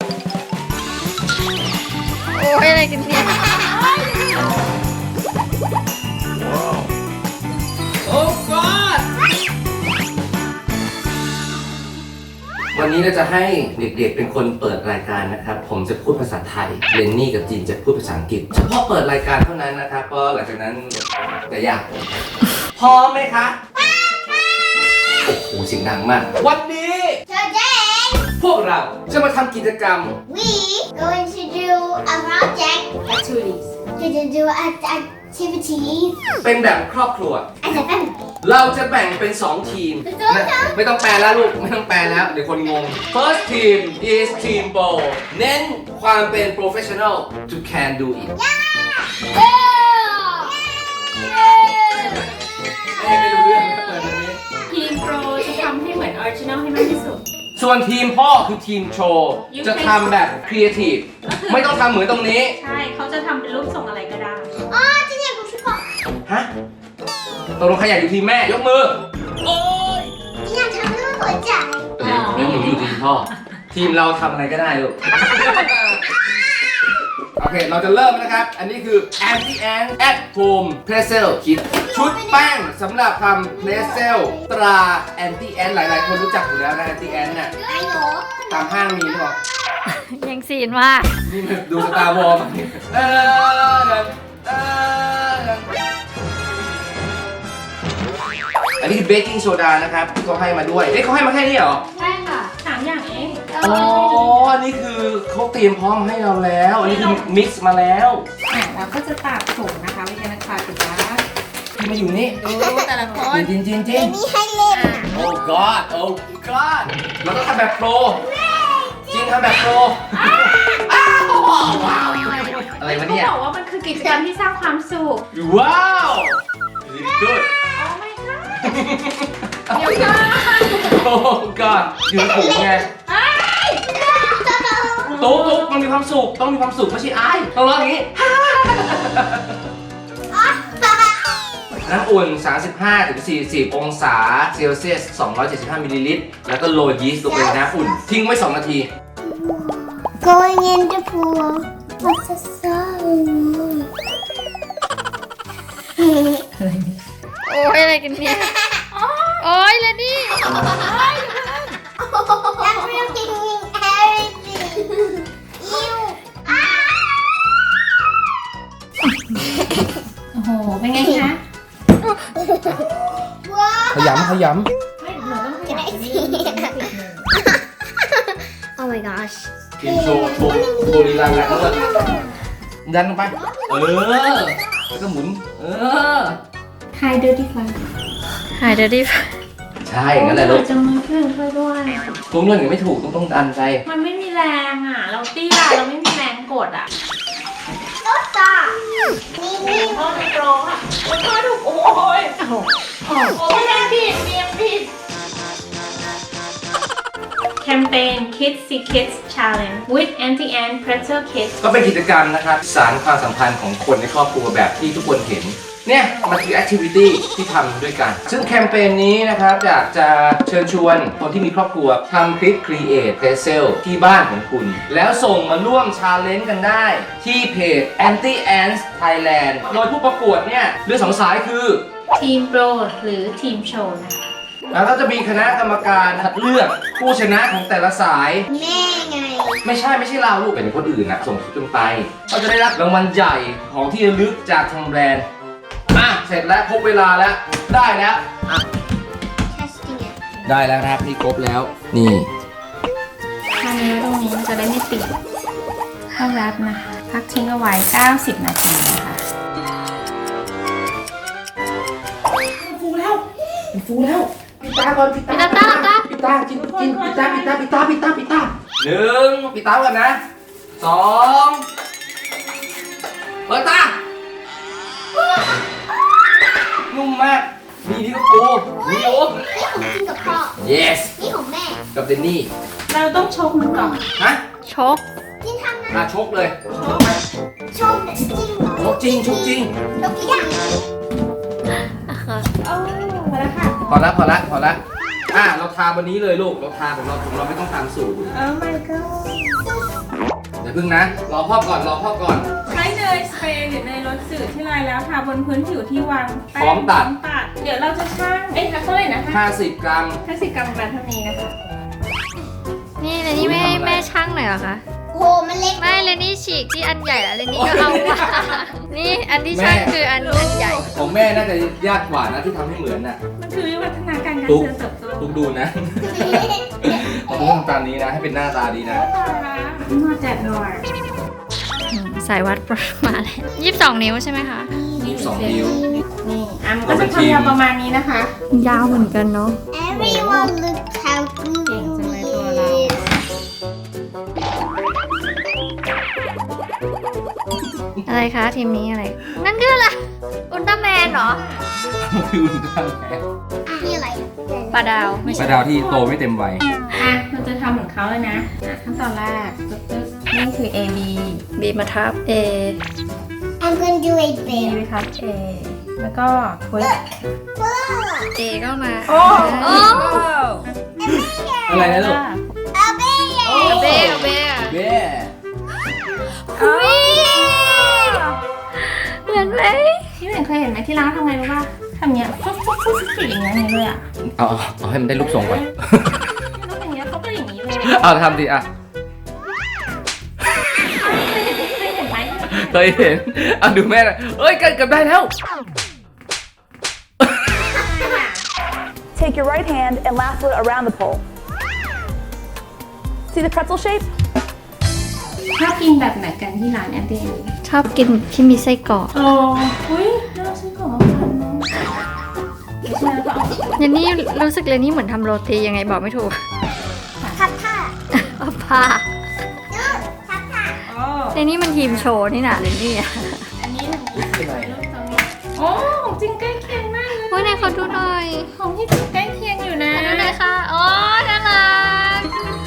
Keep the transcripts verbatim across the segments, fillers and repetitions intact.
โอ้ยอะไรกันเนี่ยโอ้ God วันนี้เราจะให้เด็กๆเป็นคนเปิดรายการนะครับผมจะพูดภาษาไทยเรนนี่กับจีนจะพูดภาษาอังกฤษเฉพาะเปิดรายการเท่านั้นนะครับเพราะหลังจากนั้นจะยากพร้อมไหมคะโอ้โหเสียงดังมากวันนี้พวกเราจะมาทำกิจกรรม We going to do a project activities to do an activity เป็นแบบครอบครัว as a family เราจะแบ่งเป็น สอง ทีมนะไม่ต้องแปลแล้วลูกไม่ต้องแปลแล้วเดี๋ยวคนงง First team is team Bo เน้นความเป็น professional to can do it ไม่ไม่รู้เรื่องนะเปิดวันนี้ทีมโปรจะทำให้เหมือนออริจินอลให้มากที่สุดส่วนทีมพ่อคือทีมโชว์จะทำแบบครีเอทีฟไม่ต้องทำเหมือนตรงนี้ใช่เขาจะทำเป็นรูปทรงอะไรก็ได้อ๋อจริงๆผมชื่อบอกฮะตกลงใครอยากอยู่ทีมแม่ยกมือโอ้ยอยากทำรูปหัวใจเดี๋ยวเดี๋ยวหนูอยู่ทีมพ่อทีมเราทำอะไรก็ได้ลูก โอเค เราจะเริ่มนะครับ อันนี้คือ Anti Ant at Home Pretzel Kit ชุดแป้งสำหรับทำ Pretzel ตรา Anti Ant หลายๆ คนรู้จักอยู่แล้วนะ Anti Ant น่ะไอ้หนูตามห้างมีหรือเปล่ายังซีนมากนี่มันดูสตาร์วอร์มเออเอออันนี้คือเบกกิ้งโซดานะครับที่เขาให้มาด้วย เอ๊ะเขาให้มาแค่นี้เหรอใช่ค่ะสามอย่างเองอ๋อ อันนี้คือเขาเตรียมพร้อมให้เราแล้ว อันนี้คือมิกซ์มาแล้วอ่ะเราก็จะตากถุงนะคะวิธีนักข่าวติดนะที่มาอยู่นี่ดูแต่ละคนจริงจริงจริเดี๋งยวนี้ให้เล่นโอ้ god โอ้ god เราต้องทำแบบโปรจริงทำแบบโปรอ้าวว้าวอะไรวะเนี่ยเขาบอกว่ามันคือกิจกรรมที่สร้างความสุขว้าว good โอ้ไม่ค่ะเดี๋ยวก่อนโอ้ god อยู่ในถุงไงตุ๊กตุ๊กมันมีความสุขต้องมีความสุขไม่ใช่ไอ้ต้องร้องอย่างนี้น้ำอุ่น สามสิบห้าถึงสี่สิบ องศาเซลเซียส สองร้อยเจ็ดสิบห้า มิลลิลิตร แล้วก็โรยยีสต์ลงไปในน้ำอุ่น ทิ้งไว้ สอง นาที Going in the pool What's the song โอ้ยอะไรกันเนี่ยโอ้ยแล้วนี่ I'm looking everything Ew โอ้โห เป็นไงคะว้าวขยำขยไม่หนูต้องจะได้สิ Oh my gosh ำทีมโชว์โชว์โชว์ลีลาแรงแล้วดันลงไป เออ แล้วก็หมุน เออ Hi dirty fly Hi dirty fly ใช่งั้นแหละลูกจะมาเพื่อนช่วยด้วยตุ้มเรื่องยังไม่ถูกต้องต้องดันใจมันไม่มีแรงอ่ะ เราเตี้ยเราไม่มีแรงกดอ่ะรถตานี่นี่พ่อในโปรอ่ะโอ้ยพ่อถูกโอ้ยโอ้โหโอ้ยแรงผิดเมียงผิดแคมเปญ Kids See Kids Challenge with Anti Ant Pretzel Kits ก็เป็นกิจกรรมนะครับสานความสัมพันธ์ของคนในครอบครัวแบบที่ทุกคนเห็น เนี่ยมันคือแอคทิวิตี้ที่ทำด้วยกัน ซึ่งแคมเปญนี้นะครับอยากจะเชิญชวนคนที่มีครอบครัวทำคลิป Create Pretzel ที่บ้านของคุณ แล้วส่งมาร่วมชาเลนจ์กันได้ ที่เพจ Anti Ants Thailand โดยผู้ประกวดเนี่ยเลือกสองสายคือทีมโปรหรือทีมโชว์นะคะแล้วก็จะมีคณะกรรมการคัดเลือกผู้ชนะของแต่ละสายแม่ไงไม่ใช่ไม่ใช่เราลูกเป็นคนอื่นนะส่งคลิปกันไปก็จะได้รับรางวัลใหญ่ของที่ระลึกจากทางแบรนด์อ่ะเสร็จแล้วครบเวลาแล้วได้แล้วอ่ะ testing it ได้แล้วนะครับนี่ครบแล้วนี่ถ้านี้ไว้ตรงนี้มันจะได้ไม่ติดเข้าแรปนะคะ พักทิ้งเอาไว้ เก้าสิบ นาทีนะคะฟูแล้วฟูแล้วปิดตาก่อนปิดตาปิดตาตาปิดตากินกินปิดตาปิดตาปิดตาปิดตาปิดตาหนึ่งปิดตาก่อนนะสองเปิดตานุ่มมากมีนี่ก็ปูมีโอ้นี่ของจริงกับพ่อ yes นี่ของแม่กับเดนนี่เราต้องชกมันก่อนฮะชกจริงทำนะอ่ะชกเลยชมจริงเหรอชกจริงชกจริงยกตัวอย่างโอ้มาแล้วค่ะพอละพอละพอละอ่ะเราทาวันนี้เลยลูกเราทาของเราของเราไม่ต้องทำสูตร Oh my god อย่าพึ่งนะ รอพ่อก่อน รอพ่อก่อนใช้เนยสเปรย์หรือเนยรสสื่อที่ลายแล้วทาบนพื้นผิวที่วางแป้งพร้อมตัดตัด เดี๋ยวเราจะชั่งเอ้ยเท่าไหร่นะคะห้าสิบกรัมห้าสิบกรัมประมาณเท่านี้นะคะนี่เลนี่ไม่ให้แม่ช่างหน่อยเหรอคะโหมันเล็กไม่เลนี่ฉีกที่อันใหญ่แล้วเลนี่ก็เอามานี่อันที่ช่างคืออันอันใหญ่ของแม่น่าจะยากกว่านะที่ทำให้เหมือนน่ะมันคือวิวัฒนาการการตุ๊กเจริญเติบโตทุกดูนะผมต้องทำตามนี้นะ ให้เป็นหน้าตาดีนะตายละมาแจกหน่อยอืมสายวัดประมาณยี่สิบสองนิ้วใช่ไหมคะยี่สิบสองนิ้วนี่อ่ะมันก็จะทำยาวประมาณนี้นะคะยาวเหมือนกันเนาะ Everyone look how good เก่งจังเลยตัวเราอะไรคะทีมนี้อะไร นั่นคืออะไรอุลตร้าแมนเหรอคืออุลตร้าแมนนี่อะไรปลาดาวไม่ปใช่ลาดาวที่โตไม่เต็มวัยอ่ะเราจะทำเหมือนเขาเลยนะอ่ะขั้นตอนแรกปึ๊บปึ๊บนี่คือ A B บีมาทับ A I'm gonna do a B bear ไปทับ A แล้วก็ทวิส A ก็มาโอ้โอ้อะไรนะลูก a bear เอาเบ้เอาเบ้เบ้อุ้ยเหมือนไหมที่เห็นเคยเห็นไหมที่ร้านทำไงรู้ป่ะทำเงี้ยฟุ๊บฟุ๊บฟุ๊บฟุ๊บอย่างเงี้ยอย่างเงี้ยเลยอ่ะเอาเอาเอาให้มันได้รูปทรงก่อนแล้วอย่างเงี้ยเขาก็อย่างนี้เลยเอาทำดิอ่ะเคยเห็นไหมเคยเห็นเอาดูแม่นะเอ้ยเกือบได้แล้ว Take your right hand and lasso it around the pole. See the pretzel shape? ชอบกินแบบไหนกันที่ร้านแอนเดนชอบกินที่มีไส้กรอกโอ้อุ้ยน่าซื้อของมาทำเนาะไม่ใช่แล้วก็เอาเรนนี่รู้สึกเรนนี่เหมือนทำโรตียังไงบอกไม่ถูกทับผ้าเอาผ้าดูทับผ้าโอ้เรนนี่มันทีมโชว์นี่นะเรนนี่อะอันนี้มันอีกรูปตรงนี้โอ้ของจริงใกล้เคียงมากเลยโอ้ยไหนขอดูหน่อยของที่จริงใกล้เคียงอยู่นะขอดูหน่อยค่ะโอ้ยน่ารัก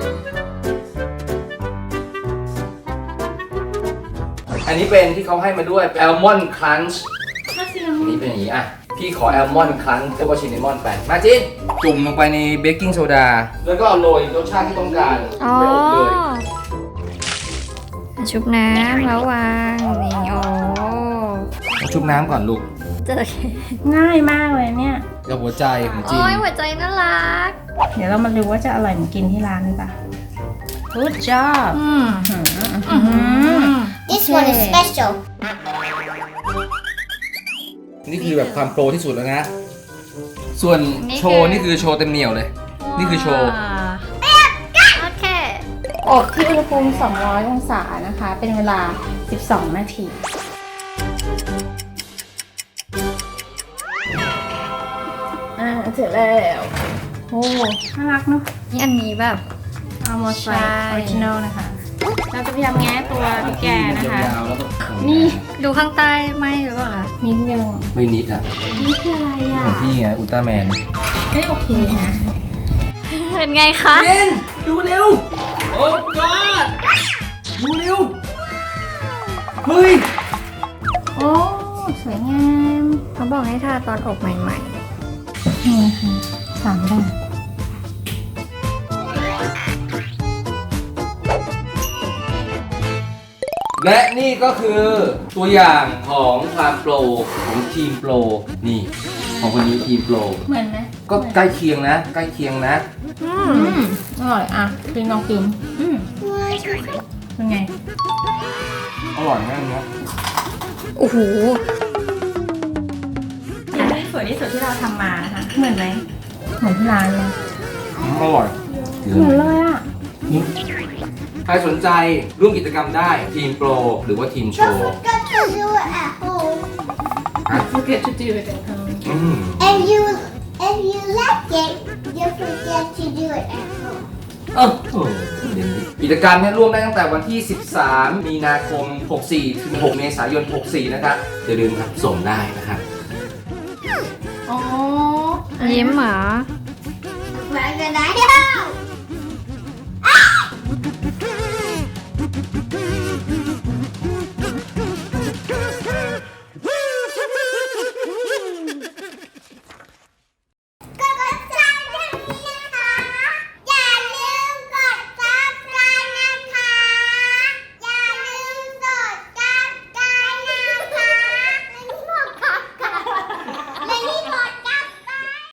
อันนี้เป็นที่เขาให้มาด้วยแอลมอนด์ครันช์ถ้าซีอันนี้เป็นอย่างนี้อ่ะ พี่ขอแอลมอนด์ครันช์แล้วก็ชินนามอนไป มาจินจุ่มลงไปในเบกกิ้งโซดา แล้วก็โรยรสชาติที่ต้องการอ๋อไปอบเลยชุบน้ำแล้ววางนี่โอ้เอาชุบน้ำก่อนลูกเจอง่ายมากเลยเนี่ยกับหัวใจของจินโอ้ยหัวใจน่ารักเดี๋ยวเรามาดูว่าจะอร่อยเหมือนกินที่ร้านหรือเปล่า Good job อืมอืม This one is special นี่คือแบบความโปรที่สุดแล้วนะ ส่วนโชว์นี่คือโชว์เต็มเหนียวเลย นี่คือโชว์โอเคอบที่อุณหภูมิสองร้อยองศานะคะ เป็นเวลาสิบสองนาทีอ่าเสร็จแล้วโอ้น่ารักเนาะนี่อันนี้แบบเอาโมไซใช่ออริจินอลนะคะ เราจะพยายามแง้ตัวพี่แกนะคะยาวๆแล้วก็นี่ดูข้างใต้ไหมหรือเปล่าคะนิดนึงไม่นิดอ่ะนี่คืออะไรอ่ะของพี่ไงอุลตร้าแมนไม่โอเคนะเป็นไงคะเย็นดูเร็ว โอ้ god ดูเร็ว เฮ้ยโอ้ สวยงามเขาบอกให้ทาตอนอบใหม่นี่ค่ะสามแบบและนี่ก็คือตัวอย่างของความโปรของทีมโปร นี่ ของคนนี้ทีมโปรเหมือนไหมก็ใกล้เคียงนะ ใกล้เคียงนะๆอือืมมอร่อยอ่ะกินลองกินอืมเป็นไงอร่อยมากนะโอ้โหอันนี้สวยที่สุดที่เราทำมานะคะ เหมือนไหมเหมือนที่ร้านเลยอืมอร่อยเหมือนเลยอ่ะใครสนใจร่วมกิจกรรมได้ทีมโปรหรือว่าทีมโช Don't ว์ forget to do it at home อ่ะ forget to do it at home อืม and you if you like it you forget to do it at home เออโอ้กิจกรรมเนี่ยร่วมได้ตั้งแต่วันที่ สิบสาม มีนาคม หกสี่ ถึง หก เมษายน หกสี่ นะครับอย่าลืมครับส่งได้นะครับอ๋อยิ้มเหรอ Crocodile